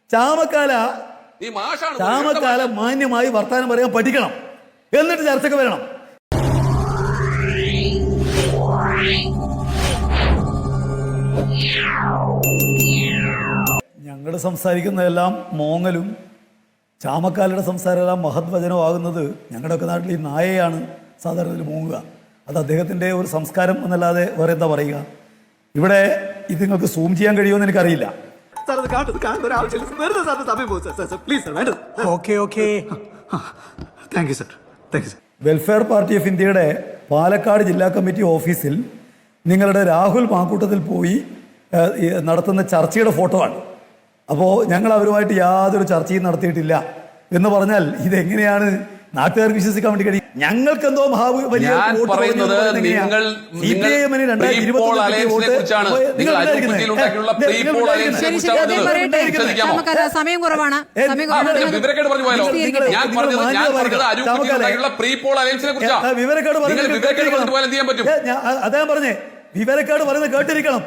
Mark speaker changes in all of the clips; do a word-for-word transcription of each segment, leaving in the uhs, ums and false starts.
Speaker 1: ചാമക്കാല ചാമക്കാല മാന്യമായി വർത്താനം പറയാൻ പഠിക്കണം, എന്നിട്ട് ചർച്ചയ്ക്ക് വരണം. ഞങ്ങൾ സംസാരിക്കുന്നതെല്ലാം മോങ്ങലും ചാമക്കാലയുടെ സംസാരമെല്ലാം മഹത്വചനമാകുന്നത് ഞങ്ങളുടെയൊക്കെ നാട്ടിൽ ഈ നായയാണ് സാധാരണ മൂങ്ങുക. അത് അദ്ദേഹത്തിൻ്റെ ഒരു സംസ്കാരം എന്നല്ലാതെ വേറെ എന്താ പറയുക. ഇവിടെ ഇത് നിങ്ങൾക്ക് സൂം ചെയ്യാൻ കഴിയുമെന്ന് എനിക്കറിയില്ല. വെൽഫെയർ പാർട്ടി ഓഫ് ഇന്ത്യയുടെ പാലക്കാട് ജില്ലാ കമ്മിറ്റി ഓഫീസിൽ നിങ്ങളുടെ രാഹുൽ മാക്കൂട്ടത്തിൽ പോയി നടത്തുന്ന ചർച്ചയുടെ ഫോട്ടോ ആണ്. അപ്പോൾ ഞങ്ങൾ അവരുമായിട്ട് യാതൊരു ചർച്ചയും നടത്തിയിട്ടില്ല എന്ന് പറഞ്ഞാൽ ഇതെങ്ങനെയാണ് നാട്ടുകാർക്ക് വിശ്വസിക്കാൻ വേണ്ടി കഴിയും? ഞങ്ങൾക്ക് എന്തോ വലിയ
Speaker 2: സമയം കുറവാണ്.
Speaker 1: അദ്ദേഹം പറഞ്ഞേ വിവരക്കേട് പറയുന്നത് കേട്ടിരിക്കണം.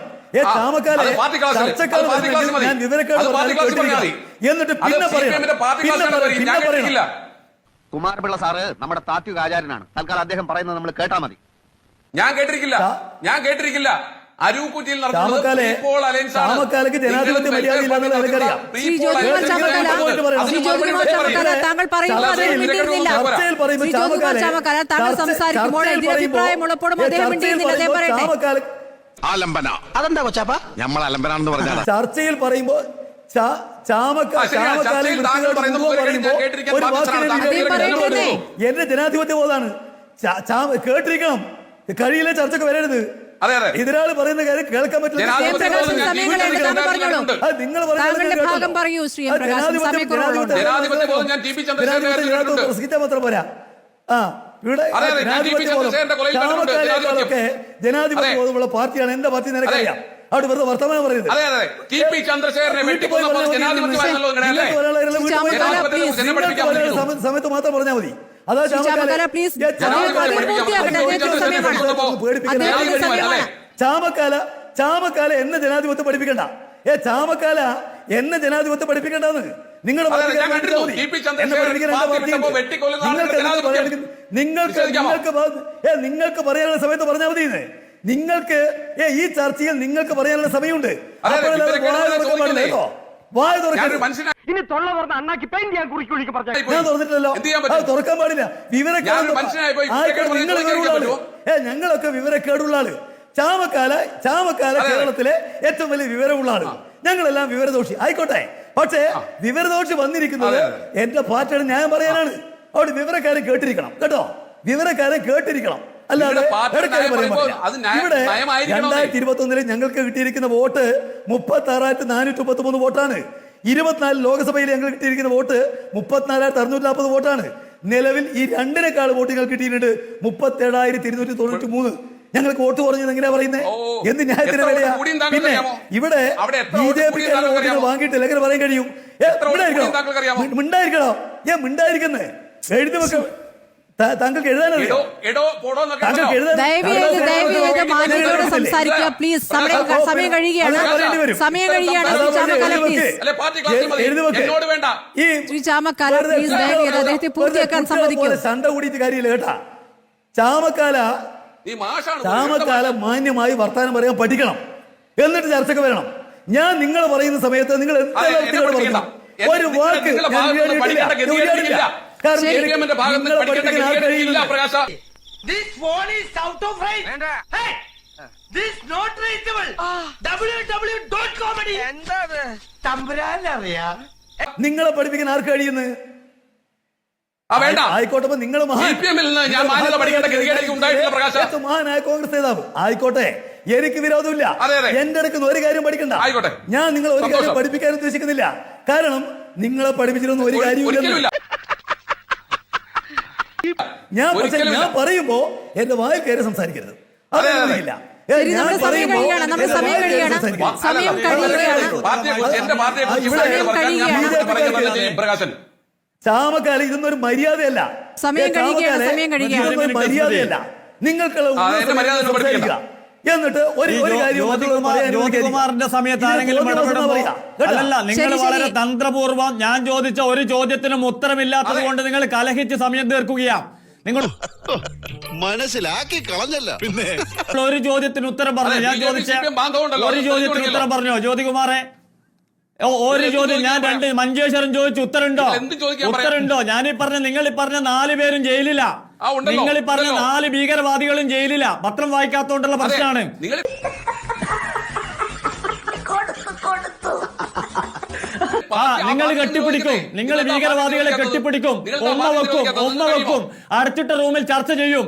Speaker 1: എന്നിട്ട് പിന്നെ പറയണം.
Speaker 3: കുമാരപിള്ള സാറ് നമ്മുടെ താത്വിക ആചാര്യനാണ്. തൽക്കാലം അദ്ദേഹം പറയുന്നത് നമ്മൾ കേട്ടാ മതി.
Speaker 4: ഞാൻ കേട്ടിരിക്കില്ല ഞാൻ കേട്ടിരിക്കില്ല അരൂക്കുറ്റിയിൽ
Speaker 1: ചാമക്കാലയ്ക്ക് ജനാധിപത്യ മര്യാദ ഇല്ലാന്നുള്ളത് എനിക്കറിയാം.
Speaker 3: അതെന്താ കൊച്ചാപ്പ നമ്മൾ അലമ്പനാണെന്ന് പറഞ്ഞാൽ
Speaker 1: ചർച്ചയിൽ പറയുമ്പോ എന്റെ ജനാധിപത്യ ബോധമാണ്. കേട്ടിരിക്കണം, കഴിയില്ല ചർച്ചക്ക് വരരുത്. എതിരാള് പറയുന്ന കാര്യം കേൾക്കാൻ പറ്റില്ല. നിങ്ങൾ പ്രസംഗിച്ചാൽ മാത്രം പോരാ. ആ ഇവിടെ ചാമക്കാലൊക്കെ ജനാധിപത്യ ബോധമുള്ള പാർട്ടിയാണ് എന്റെ പാർട്ടി. നിനക്കറിയാം. അവിടെ വെറുതെ വർത്തമാനം പറയുന്നത്. സമയത്ത് മാത്രം പറഞ്ഞാൽ മതി. അതാ ചാമക്കാല ചാമക്കാല എന്നെ ജനാധിപത്യം പഠിപ്പിക്കണ്ട. ഏ ചാമക്കാല എന്നെ ജനാധിപത്യം പഠിപ്പിക്കണ്ടെന്ന് നിങ്ങൾ നിങ്ങൾക്ക് നിങ്ങൾക്ക് പറയാനുള്ള സമയത്ത് പറഞ്ഞാൽ മതി. നിങ്ങൾക്ക് ഈ ചർച്ചയിൽ നിങ്ങൾക്ക് പറയാനുള്ള സമയമുണ്ട്. വായ ഞാൻ തുറന്നിട്ടില്ലല്ലോ, അത് തുറക്കാൻ പാടില്ല. വിവരക്കേട് ഏ ഞങ്ങളൊക്കെ വിവരക്കേടുള്ള ആള്. ചാമക്കാല ചാമക്കാല കേരളത്തിലെ ഏറ്റവും വലിയ വിവരമുള്ള ആള്. ഞങ്ങളെല്ലാം വിവരദോഷി ആയിക്കോട്ടെ. പക്ഷേ വിവരദോഷി വന്നിരിക്കുന്നത് എന്റെ പാർട്ടിയുടെ ന്യായം പറയാനാണ്. അവിടെ വിവരക്കാരെ കേട്ടിരിക്കണം കേട്ടോ, വിവരക്കാരെ കേട്ടിരിക്കണം. അല്ലാതെ ഇവിടെ രണ്ടായിരത്തി ഇരുപത്തി ഒന്നില് ഞങ്ങൾക്ക് കിട്ടിയിരിക്കുന്ന വോട്ട് മുപ്പത്തി ആറായിരത്തി നാനൂറ്റി മുപ്പത്തി മൂന്ന് വോട്ടാണ്. ഇരുപത്തിനാല് ലോക്സഭയിൽ ഞങ്ങൾ കിട്ടിയിരിക്കുന്ന വോട്ട് മുപ്പത്തിനാലായിരത്തി അറുന്നൂറ്റി നാൽപ്പത് വോട്ടാണ്. നിലവിൽ ഈ രണ്ടിനേക്കാൾ വോട്ട് ഞങ്ങൾ കിട്ടിയിട്ടുണ്ട് മുപ്പത്തി ഏഴായിരത്തി ഇരുന്നൂറ്റി തൊണ്ണൂറ്റി മൂന്ന്. ഞങ്ങൾക്ക് വോട്ട് കുറഞ്ഞത് എങ്ങനെയാ പറയുന്നത്? എന്ത് ന്യായത്തിന് വേണ്ടിയാ? പിന്നെ ഇവിടെ ബി ജെ പി വോട്ടുകൾ വാങ്ങിയിട്ടില്ല എങ്ങനെ പറയാൻ കഴിയും? മിണ്ടായിരിക്കണോ? ഏ മിണ്ടായിരിക്കുന്നേ എഴുതി വെക്ക. താങ്കൾക്ക് എഴുതാനറിയോ?
Speaker 2: സംസാരിക്കുക പ്ലീസ്. സമയം കഴിയുകയാണ്. സമയം കഴിയുകയാണ്. ചാമക്കാല പ്ലീസ് അദ്ദേഹത്തെ പൂർത്തിയാക്കാൻ സമ്മതിക്കും.
Speaker 1: ചണ്ട കൂടിയിട്ട് കാര്യമില്ല കേട്ടാ. ചാമക്കാല ചാമക്കാല മാന്യമായി വർത്താനം പറയാൻ പഠിക്കണം, എന്നിട്ട് ചർച്ചയ്ക്ക് വരണം. ഞാൻ നിങ്ങൾ പറയുന്ന സമയത്ത് നിങ്ങൾ ഒരു വാക്ക് നിങ്ങളെ പഠിപ്പിക്കാൻ ആർക്ക് കഴിയുന്നു? ആയിക്കോട്ടെ, നിങ്ങൾ മഹാനായ കോൺഗ്രസ് നേതാവ് ആയിക്കോട്ടെ, എനിക്ക് വിരോധമില്ല. എന്റെ അടുക്കുന്ന ഒരു കാര്യം പഠിക്കണ്ട. ഞാൻ നിങ്ങൾ ഒരു കാര്യം പഠിപ്പിക്കാൻ ഉദ്ദേശിക്കുന്നില്ല. കാരണം നിങ്ങളെ പഠിപ്പിച്ചിരുന്ന ഒരു കാര്യമില്ല. ഞാൻ പക്ഷെ ഞാൻ പറയുമ്പോ എന്റെ വായിൽ കയറി സംസാരിക്കരുത്. അതൊന്നുമില്ല. ചാമക്കാല ഇതൊന്നൊരു മര്യാദയല്ല. മര്യാദയല്ല. നിങ്ങൾക്കുള്ള എന്നിട്ട് ഒരു ഒരു കാര്യം മറ്റുള്ളവർ പറയാൻ
Speaker 5: ജ്യോതികുമാറിന്റെ സമയത്ത്
Speaker 1: ഇതിന്
Speaker 5: ആരെങ്കിലും
Speaker 1: തോന്നിയ ദിവസം
Speaker 5: ഇടപെടുമ്പോ
Speaker 1: പറയാം. കേട്ടോ?
Speaker 5: അല്ലല്ല നിങ്ങൾ
Speaker 2: ശരി, ശരി.
Speaker 5: വളരെ തന്ത്രപൂർവ്വം ഞാൻ ചോദിച്ച ഒരു ചോദ്യത്തിനും ഉത്തരമില്ലാത്തത്
Speaker 4: അതെ.
Speaker 5: കൊണ്ട് നിങ്ങൾ കലഹിച്ച് സമയം തീർക്കുകയാണ്. നിങ്ങൾ
Speaker 6: മനസ്സിലാക്കി കളഞ്ഞല്ല പിന്നെ
Speaker 5: ഒരു ചോദ്യത്തിന് ഉത്തരം പറഞ്ഞു.
Speaker 4: അതെ,
Speaker 5: ഞാൻ
Speaker 4: ബി ജെ പി
Speaker 5: ചോദിച്ച
Speaker 4: സി പി എം ബാന്ധവമുണ്ടല്ലോ.
Speaker 5: ഒരു
Speaker 4: അത്
Speaker 5: ചോദ്യത്തിന്
Speaker 4: ചോദിക്കല്ലോ.
Speaker 5: ഉത്തരം പറഞ്ഞോ ജ്യോതികുമാറെ? ഓ, ഒരു
Speaker 4: എന്ത്
Speaker 5: ചോദ്യം ഞാൻ
Speaker 4: ചോദിക്കാൻ
Speaker 5: രണ്ട് മഞ്ചേശ്വരം ചോദിച്ചു ഉത്തരണ്ടോ?
Speaker 4: നിങ്ങൾ എന്ത് ചോദിക്കാൻ പറയാം?
Speaker 5: ഉത്തരണ്ടോ? ഞാൻ ഈ പറഞ്ഞ നിങ്ങൾ ഈ പറഞ്ഞ നാല് പേരും ജയിലില്ല.
Speaker 4: ആ, ഉണ്ടല്ലോ,
Speaker 5: നിങ്ങൾ ഈ പറഞ്ഞ
Speaker 4: ഉണ്ടല്ലോ.
Speaker 5: നാല് ഭീകരവാദികളും ജയിലില്ല. പത്രം വായിക്കാത്തോണ്ടുള്ള
Speaker 4: അതെ,
Speaker 5: പ്രശ്നമാണ്.
Speaker 4: നിങ്ങൾ
Speaker 5: ആ നിങ്ങൾ കെട്ടിപ്പിടിക്കും, നിങ്ങൾ ഭീകരവാദികളെ കെട്ടിപ്പിടിക്കും, ഒന്ന വെക്കും, ഒന്ന വെക്കും, അടച്ചിട്ട റൂമിൽ ചർച്ച ചെയ്യും.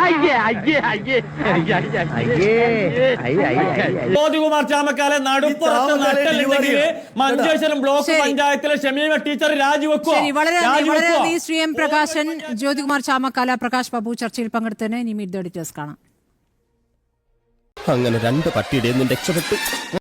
Speaker 5: ജ്യോതികുമാർ ചാമക്കാലെ നടുപ്പുറത്ത് നട്ടല്ലെങ്കിൽ മഞ്ചേശ്വരം ബ്ലോക്ക്
Speaker 2: ശരി.
Speaker 5: പഞ്ചായത്തിലെ ഷമീമ ടീച്ചർ രാജിവെക്കോ?
Speaker 2: ശരി, വളരെ നന്ദി, വളരെ
Speaker 5: രാജിവെക്കോ?
Speaker 2: നന്ദി ശ്രീ എം പ്രകാശൻ, ജ്യോതികുമാർ ചാമക്കാല, പ്രകാശ് ബാബു ചർച്ചയിൽ പങ്കെടുത്തതിന്. ഇനി മീറ്റ് ദ എഡിറ്റേഴ്സ് കാണാം.
Speaker 7: അങ്ങനെ രണ്ട് പട്ടിയുടെ രക്ഷപ്പെട്ടു.